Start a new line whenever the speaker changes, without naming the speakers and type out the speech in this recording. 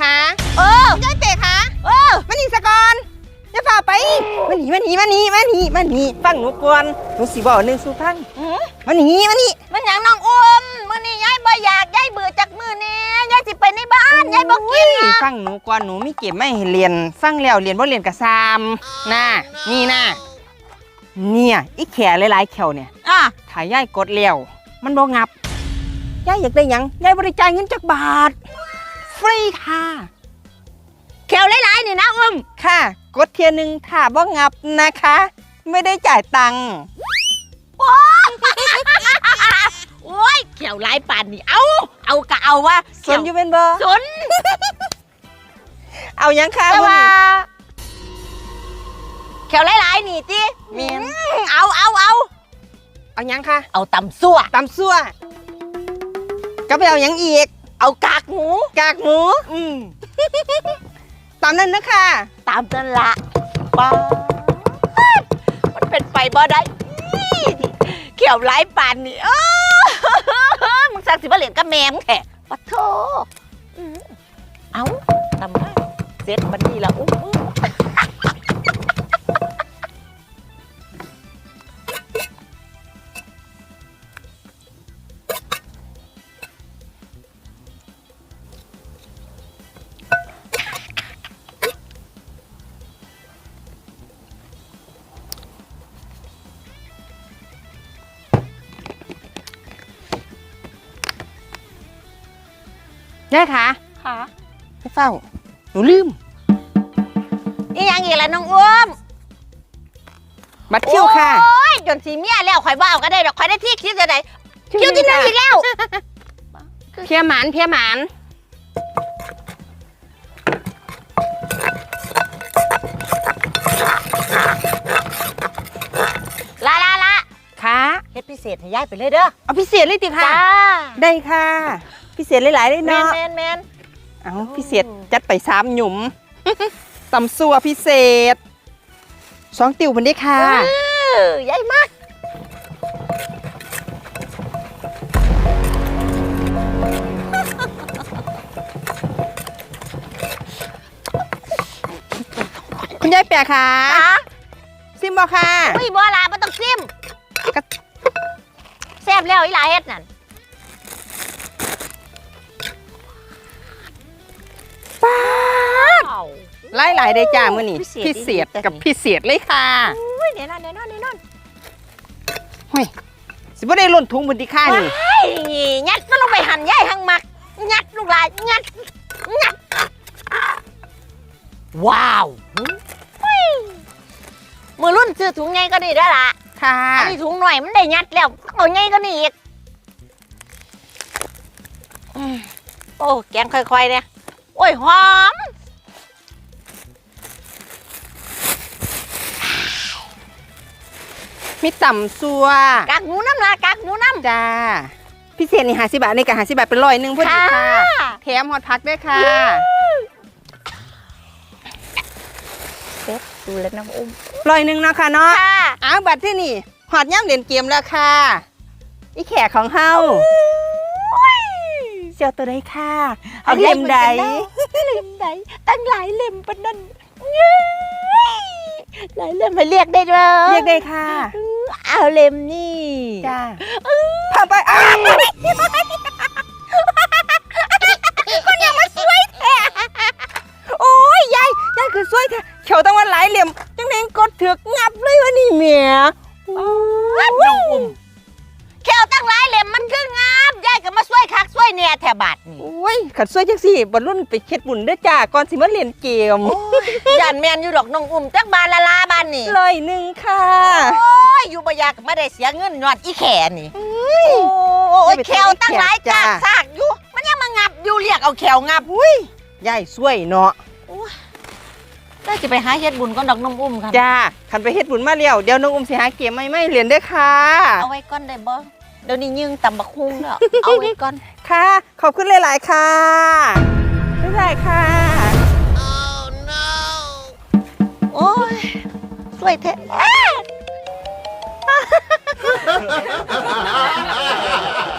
คะยายเป๋คะมาหนีสะก่อนอย่าฝ่าไปมาหนีฟังหนูก่อนหนูสิบอกหนึ่งสู่ฟังมาหนี
มันอย่างน้องอุ้มมื้อนี้ยายบ่อยากยายเบื่อจากมื้อนี้ยายสิไปในบ้านยายบ่กินนะ
ฟังหนูก่อนหนูมีเก็บไม่ให้เรียนฟังแล้วเรียนบ่เรียนกะซามน่ะนี่น่ะเนี่ยอีแขหลายๆแขวเนี่ยถ้ายายกดเลี้ยวมันบ่งับยายอยากได้หยังยายบริจาคเงินจักบาทฟรีค่ะ
แขวหลายๆนี่นะอุ้ม
ค่ะกดเทียนึงถ้าบ่งับนะคะไม่ได้จ่ายตังค์
โอ้ยแขวหลายป่านนี่เอากะเอาว่า
สนอยู่เป็นบ่
สน
เอายังค่ะ
แต่ว่าแขวหลายๆนี่ติ
เมียน
เอา
ยังค่ะ
เอาตำซั่ว
ก็ไปเอายังอีก
เอากากหมู
ตามนั้นนะคะ
ตามนั่นละป้ามันเป็นไปบ่ได้เขียวหลายปานนี่มึงสั่งสิมาเหรียญกับแม่มึงแท้ปะโถเอาทำมาเสร็จบันนี้ละอุ้ม
ยายคะไม่เฝ้าหนูลืม
อีหยังอีกล่ะน้องอุ้ม
บัตรคิวค่ะ
โอ้ยจนสีเมียแล้วข่อยบ้าก็ได้ดอกข่อยได้ที่คิดจะได้คิวที่หนึ่งอีกแล้ว
เพียหมาน
ละ
ค่ะ
เฮ็ดพิเศษให้ยายไปเลยเด้อ
เอาพิเศษเลยติค่ะได้ค่ะพิเศษหลายๆเลยเนาะ
แมน
เอาพิเศษจัดไป3 หยุมตำซัวพิเศษ2 ติ่วมันได้ค่ะ
ใหญ่มาก
คุณยายแปะค่ะซิมบอค่ะ
อุ้ยบัวลาไม่ต้องซิมแซ่บแล้วอีหลาเฮ็ดนั่น
ป้าหลายได้จ้ามื้อนี้พิเศษกับพิเศษเลยค่ะ
อุ้ยแน่นอน
เฮ้ยสิบ่ได้ล้นถุงมื้อที่ค่า
นี่ยัดมันลงไปหั่นใหญ่หั่งมักยัดลูกหลานยัดว้าวมือรุ่นซื้อถุงไงก็นี่ได้ละ
ค่ะ
อันนี้ถุงหน่อยมันได้ยัดแล้วเอาไงก็นี่อีกโอ้แกงค่อยๆเนี่ยโอ้ยหอม
มีต่ำซัว
กากหมูน้ำละกากหมูน้
ำจ้าพิเศษนี่50 บาทในกับ50 บาทเป็น100พอดีค่ะแถมฮอตพักด้วยค่ะ
เซ็ตดูแล้วน้องอุ้ม
100เนาะค่ะเนาะบัตรที่นี่ฮอตย่ำเล่นเกมแล้วค่ะอีแขกของเฮาเจ้าตัวใดค่ะเอาเล่มใด
ตั้งหลายเล่มปนนั่นหลายเล่มมาเรียกได้ด้วย
เรียกได้ค่ะ
เอาเล่มนี่
จ้าพาไปคนยังมาสวยแท้โอ้ยยายคือสวยแท้เขียวตั้งวันหลายเล่มจังเล่นกดถือกงับเลยวะนี่เมีย
น้องอุ้มเขียวตั้งหลายเล่มมันคืองามยายก็มาช่วยคักช่วยเนี่ยแถบาทนี่
โอ้ยขัดช่วยจังสิบรรลุนไปเฮ็ดบุญเด้อจ้าก่อนสิมาเล่นเกม
ย่านแมนอยู่ดอกน้องอุ้มจักบานละบ้านนี่
100ค่ะ
โอ้ยอยู่บ่อยากไม่ได้เสียเงินย้อนอีแขนี่โอ้ยแขวตั้งหลายจากซากอยู่มันยังมางับอยู่เรียกเอาแขวงับ
อุ้ยยายช่วยเนาะ
ได้จะไปหาเฮ็ดบุญก็ดอกน้องอุ้มค่ะ
จ้าคันไปเฮ็ดบุญมาแล้วเดี๋ยวน้องอุ้มสิหาเกมไม่เรียนเด้อค่ะ
เอาไว้ก่อนได้บ่เดี๋ยวนี้ตำบักหุ่งแล้วเอาไว้ก่อน
ค่ะขอบคุณหลายๆค่ะบ๊ายบายค่ะ
Oh no โอ้ยสวยแท้